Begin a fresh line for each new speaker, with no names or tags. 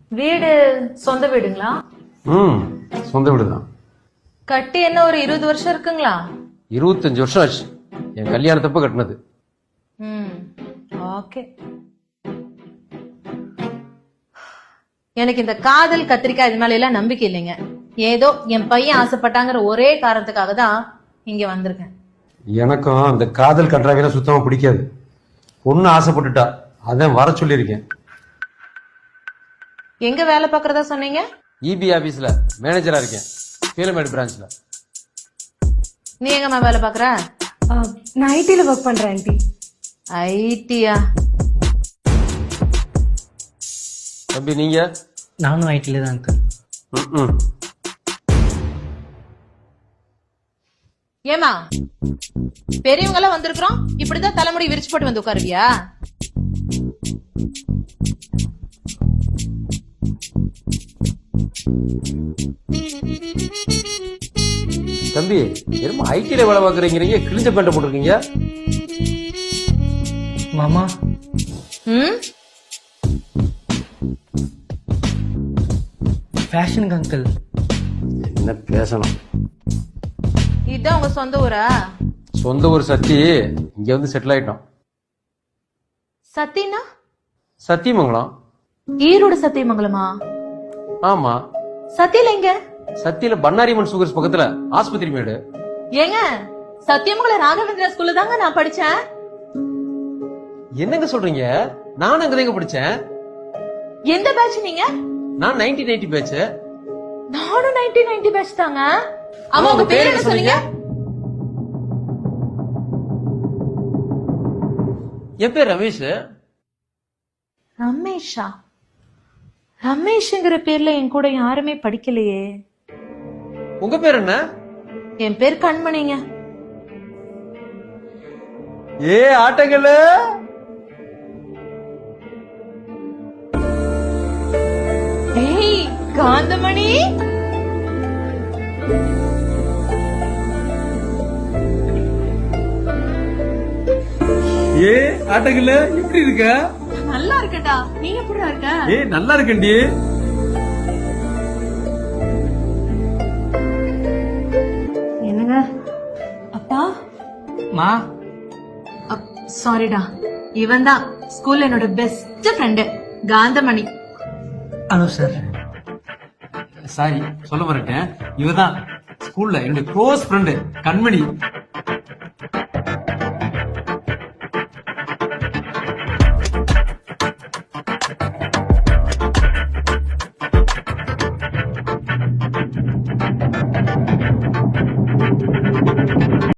வீடு சொந்த வீடுங்களா?
சொந்த வீடு தான்.
கட்டி என்ன ஒரு 20 வருஷம் இருக்குங்களா?
25 வருஷம் ஆச்சு. என் கல்யாணத்தப்ப கட்டினது.
ஓகே. எனக்கு இந்த காதல் கத்திரிக்காய் இது மேல எல்லாம் நம்பிக்கை இல்லைங்க. ஏதோ என் பையன் ஆசைப்பட்டாங்கிற ஒரே காரணத்துக்காக தான் இங்க வந்திருக்கேன்.
எனக்கும் அந்த காதல் கட்டுறாங்க சுத்தமா பிடிக்காது. பொண்ணு ஆசைப்பட்டுட்டா அதான் வர சொல்லியிருக்கேன்.
எங்க வேலை பாக்குறதா சொன்னீங்க?
இபி ஆபீஸ்ல மேனேஜரா இருக்கேன், பீலமேடு பிரான்ச்ல.
நீ எங்கம்மா வேலை பாக்குற?
நான் ஐடில ஒர்க் பண்றேன் ஆண்டி.
ஐடியா?
தம்பி நீங்க?
நானும் ஐடில தான் அங்கிள்.
ஏமா பெரியவங்க எல்லாம் வந்திருக்கிறோம், இப்படிதான் தலைமுடி விரிச்சு போட்டு வந்து உட்காருவியா?
தம்பி என்னமோ ஐடில வேலை பாக்குறீங்க, கிழிஞ்ச பேண்ட போட்டிருக்கீங்க.
மாமா ஃபேஷனுக்கு அங்கிள்.
என்ன பேசணும்?
இதுதான் உங்க சொந்த ஊரா?
சொந்த ஊர் சத்தி, இங்க வந்து செட்டில் ஆயிட்டோம்.
சத்தினா?
சத்தியமங்கலம்.
ஈரோடு சத்தியமங்கலமா?
ஆமா.
சத்தியில எங்க?
சத்தியில பண்ணாரிமன் சுகர்ஸ் பக்கத்துல ஆஸ்பத்திரி மேடு.
ஏங்க சத்தியமங்கலம் ராகவேந்திரா ஸ்கூல்ல தாங்க நான் படிச்சேன்.
என்னங்க சொல்றீங்க? நானும் அங்கதாங்க படிச்சேன்.
எந்த பேட்ச் நீங்க?
நான் 1990 பேட்ச்.
நானும் 1990 பேட்ச் தாங்க. அம்மா உங்க பேர் என்ன சொன்னீங்க?
என் பேர் ரமேஷ்.
ரமேஷா? ரமேஷ்ங்கிற பேர்ல என் கூட யாருமே படிக்கலையே.
உங்க பேர் என்ன?
என் பேர் கண்மணிங்க.
ஏ ஆட்டங்கள்ல
ஏய் காந்தமணி.
ஏ ஆட்டங்கள்ல எப்படி இருக்க?
நல்லா இருக்கடா, நீ எப்படி இருக்க?
ஏ நல்லா இருக்கண்டி.
என்னங்க அப்பா?
மா
சாரிடா, இவன் தான் ஸ்கூல்ல என்னோட best friend Kanthamani.
Hello sir.
Sorry சொல்ல மறட்டேன், இவதான் ஸ்கூல்ல என்னுடைய க்ளோஸ் ஃப்ரெண்டு கண்மணி.